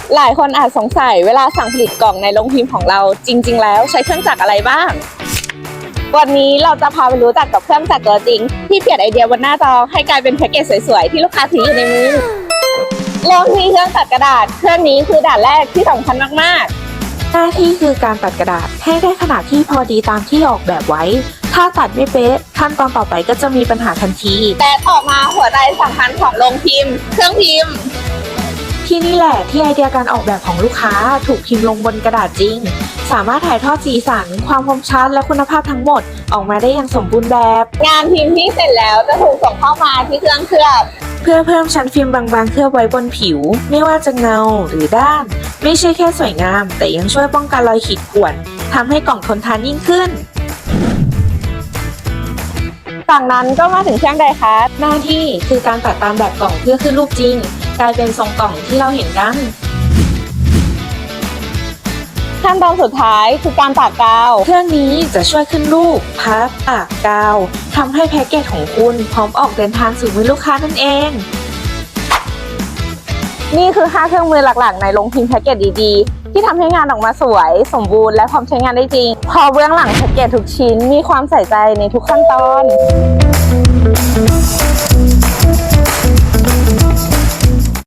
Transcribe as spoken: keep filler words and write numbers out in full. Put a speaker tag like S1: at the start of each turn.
S1: หลายคนอาจสงสัยเวลาสั่งผลิตกล่องในโรงพิมพ์ของเราจริงๆแล้วใช้เครื่องจักรอะไรบ้างวันนี้เราจะพาไปรู้จักกับเครื่องจักรตัวจริงที่เปลี่ยนไอเดียบนหน้าจอให้กลายเป็นแพ็กเกจสวยๆที่ลูกค้าถืออยู่ในมือเริ่มที่เครื่องตัดกระดาษเครื่องนี้คือด่านแรกที่สำคัญมากๆ
S2: หน้าที่คือการตัดกระดาษให้ได้ขนาดที่พอดีตามที่ออกแบบไว้ถ้าตัดไม่เป๊ะขั้นตอนต่อไปก็จะมีปัญหาทันที
S1: แต่ต่อมาหัวใจสำคัญของโรงพิมพ์เครื่องพิมพ์
S2: ที่นี่แหละที่ไอเดียการออกแบบของลูกค้าถูกพิมพ์ลงบนกระดาษจริงสามารถถ่ายทอดสีสันความคมชัดและคุณภาพทั้งหมดออกมาได้อย่างสมบูรณ์แบบ
S1: งานพิมพ์ที่เสร็จแล้วจะถูกส่งเข้ามาที่เครื่องเคลือบ
S2: เพื่อเพิ่มชั้นฟิล์มบางๆเคลือบไว้บนผิวไม่ว่าจะเงาหรือด้านไม่ใช่แค่สวยงามแต่ยังช่วยป้องกันรอยขีดข่วนทำให้กล่องทนทานยิ่งขึ้น
S1: จากนั้นก็มาถึงเครื่องไดคัส
S2: หน้าที่คือการตัดตามแบบกล่องเพื่อขึ้นรูปจริงกลายเป็นทรงกล่องที่เราเห็นกัน
S1: ขั้นตอนสุดท้ายคือการปากกาว
S2: เครื่องนี้จะช่วยขึ้นรูปพับปากกาวทำให้แพ็กเกจของคุณพร้อมออกเดินทางสู่มือลูกค้านั่นเอง
S1: นี่คือห้าเครื่องมือหลักๆในโรงพิมพ์แพ็กเกจดีๆที่ทำให้งานออกมาสวยสมบูรณ์และพร้อมใช้งานได้จริงพอเบื้องหลังแพ็กเกจทุกชิ้นมีความใส่ใจในทุกขั้นตอน